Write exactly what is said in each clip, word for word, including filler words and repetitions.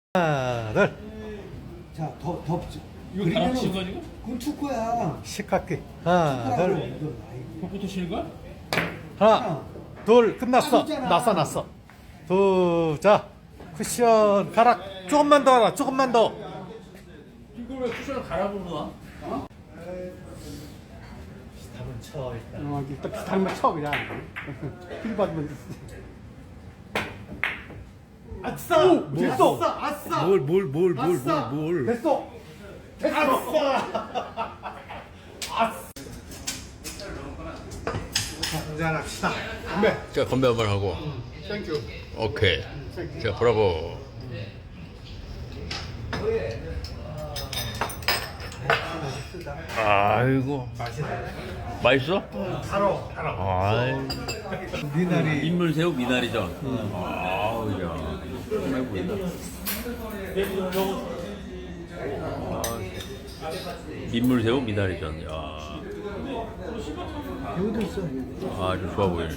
하나, 둘. 자, 더, 더. 이거 다 치는 거 아니고? 그건 축구야. 식학기. 하나, 축구라고, 둘. 이건. 아이고. 그것부터 치는 거야? 하나, 둘. 끝났어. 땀이잖아. 났어, 났어. 두, 자. 쿠션 가락. 조금만 더 하라. 조금만 더. 이걸 왜 쿠션을 갈아보는 거야? 한번 쳐 일단. 어, 일단 비슷한 거 쳐, 그냥. 필 받으면. 아싸! 됐어! 아싸! 뭘 뭘 뭘 뭘 아싸! 뭘 뭘. 됐어! 됐어! 아싸! 자, 한잔합시다. 건배. 자 건배 한번 하고. 땡큐. 오케이. 자 브라보. 아이고. 맛있네. 맛있어? 바로, 바로. 아이. 미나리. 인물새우 미나리전. 아우 야. 정말 보인다. 민물새우 미나리전. 야. 여기도 있어. 아주 좋아 보이네.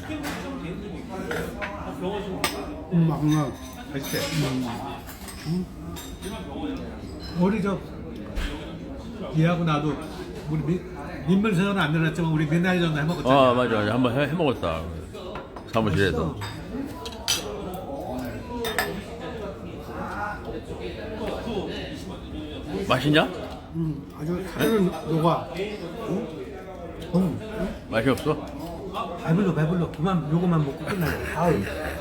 음, 막, 막. 맛있대. 우리 저 얘하고 나도 우리 미, 민물새우는 안 늘었지만 우리 미나리전도 해먹었잖아. 아 맞아 맞아 한번 해, 해 먹었다. 사무실에서. 맛있냐? 음, 아주 살은 녹아. 응? 응? 맛이 없어? 배불러 배불러. 그만 요거만 먹고 끝나자. 아우.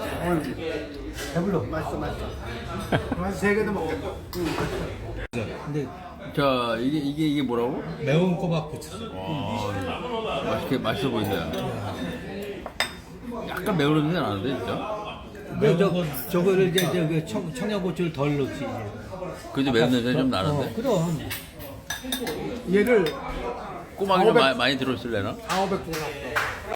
배불러. 맛있어, 맛있어. 한 세 개도 먹겠다. 근데, 자 이게 이게 이게 뭐라고? 매운 꼬막 부쳐. 와 맛있게 맛있어 보인다. 약간 매운 냄새 나는데 진짜. 근데 저, 저거를 이제, 저, 청, 청양고추를 덜 넣지, 이제. 그지 매운 냄새 좀 나는데. 어, 그럼. 얘를 꼬막이 좀 마- 많이 들어있을래나? 사오백 개 샀어.